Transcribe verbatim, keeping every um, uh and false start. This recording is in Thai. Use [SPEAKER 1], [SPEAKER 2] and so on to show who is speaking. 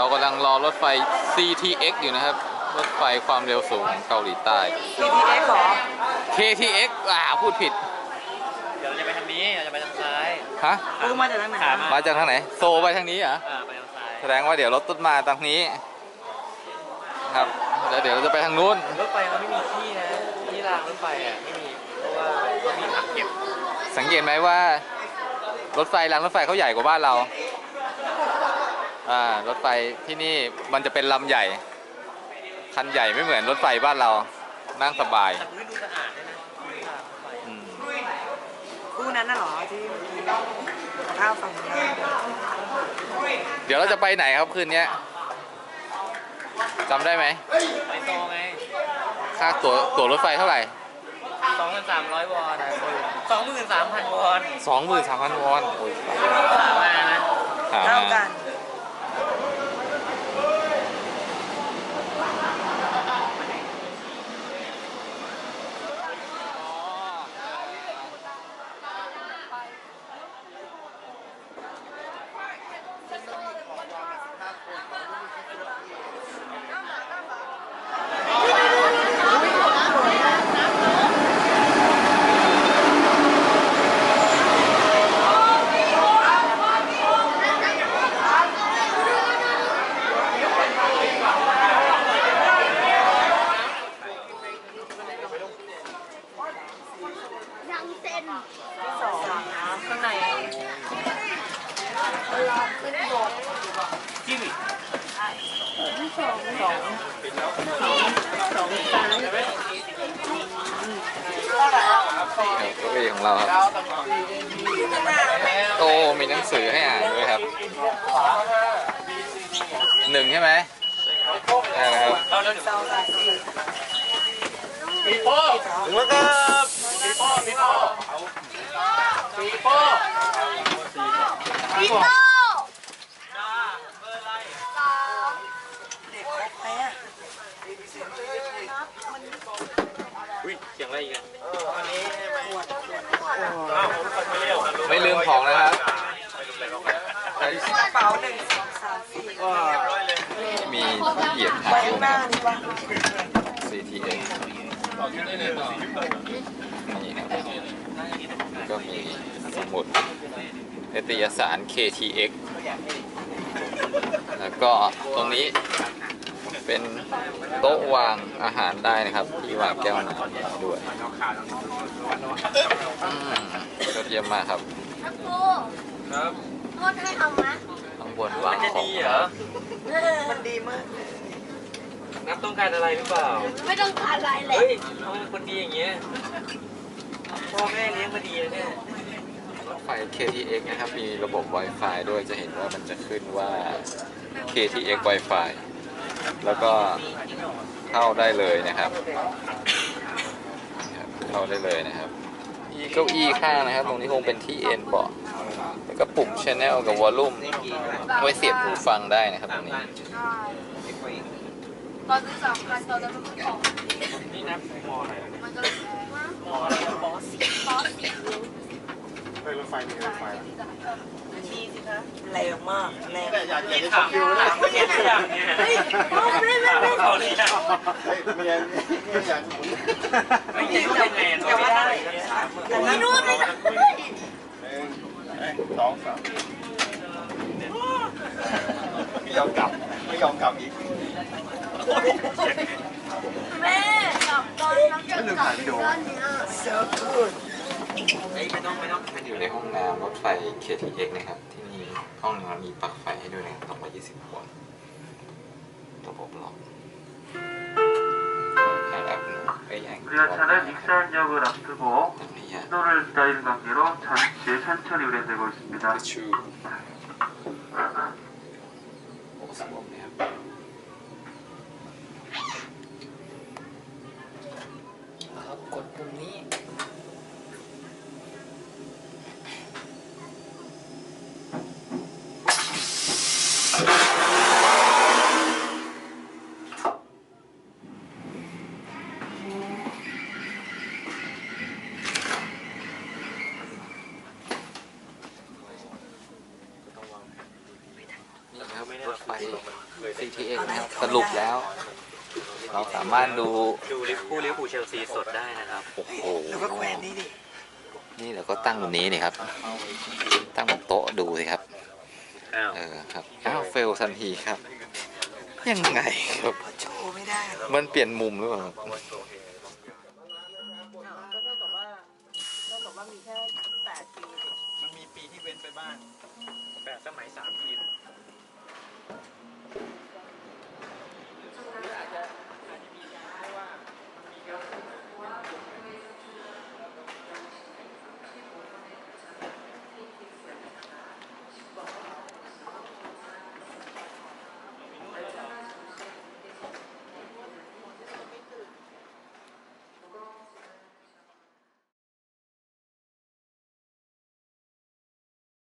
[SPEAKER 1] เรากำลังรอรถไฟ ซี ที เอ็กซ์ อยู่นะครับรถไฟความเร็วสูงของเกาหลีใต้
[SPEAKER 2] ซี ที เอ็กซ์ เหรอ
[SPEAKER 1] เค ที เอ็กซ์ อ่าพูดผิด
[SPEAKER 3] เดี๋ยวเราจะไปทางนี้เราจะไปทางซ้าย
[SPEAKER 1] ฮะ
[SPEAKER 2] ปูมาจากทางไหน
[SPEAKER 1] มาจากทางไหนโซไปทางนี้เหรอ
[SPEAKER 3] อ่าไปทางซ้าย
[SPEAKER 1] แสดงว่าเดี๋ยวรถต้นมาทางนี้ครับแล้วเดี๋ยวเราจะไปทางนู้น
[SPEAKER 3] รถไฟเขาไม่มีที่นะที่รางรถไฟอ่ะไม่มีเพราะว่าเขามีถังเก็บ
[SPEAKER 1] สังเกตไหมว่ารถไฟรางรถไฟเขาใหญ่กว่าบ้านเราอ่ารถไฟที่นี่มันจะเป็นลำใหญ่คันใหญ่ไม่เหมือนรถไฟบ้านเรานั่งสบาย
[SPEAKER 3] แต่ไม่ดูสะอาดเลยนะ
[SPEAKER 2] ปูนั้นน่ะเหรอที่เมื่อกี้ข้าวฝั่งนี้
[SPEAKER 1] เดี๋ยวเราจะไปไหนครับคืนนี้จำได้ไหม
[SPEAKER 3] ไปโตไง
[SPEAKER 1] ค่าตั๋วตั๋วรถไฟเท่าไหร่
[SPEAKER 3] สองพันสามร้อยวอนสองหมื่นสามพันวอน
[SPEAKER 1] สองหมื่นสามพันวอนโอ้ย
[SPEAKER 3] มานะ
[SPEAKER 2] เท่ากันข้างใน
[SPEAKER 3] จิ้ม
[SPEAKER 2] สองสองสองสาม
[SPEAKER 1] เก้าอี้ของเราครับโอ้มีหนังสือให้อ่านด้วยครับหนึ่งใช่ไหมใช่ครับ
[SPEAKER 3] ปีโป้ถึงแล้วครับปีโป้ปีโป้ปีโป้ปีโป้อุ้ยเสียงอะไรอีกอ่ะ
[SPEAKER 1] ไม่ลืมของนะครับ
[SPEAKER 2] กระเป๋าหนึ่งสองสามสี่
[SPEAKER 1] มีเหยียบถ่ายรูป ซี ที เอ็กซ์ นี่นะครับก็มีสมุดนิตยสาร เค ที เอ็กซ์ แล้วก็ตรงนี้เป็นโต๊ะวางอาหารได้นะครับที่วางแก้วน้ำด้วยยอดเยี่ยมมากครับ
[SPEAKER 4] ครับครูครับนวดให้เอาไหม
[SPEAKER 1] ข้างบนวางของ
[SPEAKER 3] ดีเหรอ
[SPEAKER 2] มันดีมาก
[SPEAKER 3] นับต้องการอะไรหรือเปล่า
[SPEAKER 4] ไม่ต้องการอะไรเลย
[SPEAKER 3] เฮ้ยทำไมคนดีอย่างเงี้ยพ่อแม่เลี้ยงมาดีเลยเนี่ย
[SPEAKER 1] รถไฟ เค ที เอ็กซ์ นะครับมีระบบ Wi-Fi ด้วยจะเห็นว่ามันจะขึ้นว่า เค ที เอ็กซ์ Wi-Fi แล้วก็เข้าได้เลยนะครับเข้าได้เลยนะครับมีเก้าอี้ข้างนะครับตรงนี้คงเป็นที่เอ็นเบาะแล้วก็ปุ่ม Channel กับ Volume ไว้เสียบหูฟังได้นะครับตรงนี้
[SPEAKER 4] ตอนที่สามกันตอนนั้นมันของ
[SPEAKER 3] นี่นับมออะไร
[SPEAKER 4] มันก็เลยมอ
[SPEAKER 3] บอส
[SPEAKER 4] บอส
[SPEAKER 3] เฮ้ยรถไฟมีรถไฟ
[SPEAKER 2] มีสิคะแรงมากแรง
[SPEAKER 3] อยากจะชมวิวนะไม่อยากอยากเนี่ยเฮ้ยไม่ไม่ไม่เขาเนี่ยไม่อยากไม่อยากไม่ยืนยังไงจะไม่ได้
[SPEAKER 4] ไม่รู้เลยนะ
[SPEAKER 3] สองสามไม่ยอมกลับไม่ยอมกลับอีก
[SPEAKER 4] แม่กลับตอนน้ำจะกลับด้านนี้
[SPEAKER 2] so good
[SPEAKER 3] ไม่ต้องไม่ต้อง
[SPEAKER 1] อยู่ในห้องน้ำรถไฟ เค ที เอ็กซ์ นะครับที่นี่ห้องน้ำมีปลั๊กไฟให้ด้วยนะสองร้อยยี่สิบโวลต์ระบบล็อก
[SPEAKER 5] 우리가차는익산역을앞두고 신호를 기다리는 관계로 잠시 천천히 운행되고 있습니다.
[SPEAKER 1] กดปุ่มนี้รถไฟ ซี ที เอ็กซ์ นะครับสรุปแล้ว เราสามารถดู
[SPEAKER 3] ดูลิฟคู่ลิฟคู่เชลซีสดได้นะครับ
[SPEAKER 1] โอ้โห
[SPEAKER 2] แล้วก็แขวนนี่ดิ
[SPEAKER 1] นี่เราก็ตั้งตรงนี้นี่ครับ ตั้งบนโต๊ะดูสิครับ
[SPEAKER 3] อ้าว
[SPEAKER 1] เออครับ อ้าวเฟลทันทีครับ ยังไงครับ
[SPEAKER 2] โชว์ไม่ได้หรอก
[SPEAKER 1] มันเปลี่ยนมุมหรือเปล่าครับ
[SPEAKER 2] ก็เท่ากับว่าเท่ากับว่ามีแค่แปดปี
[SPEAKER 6] มันมีปีที่เว้นไปบ้าง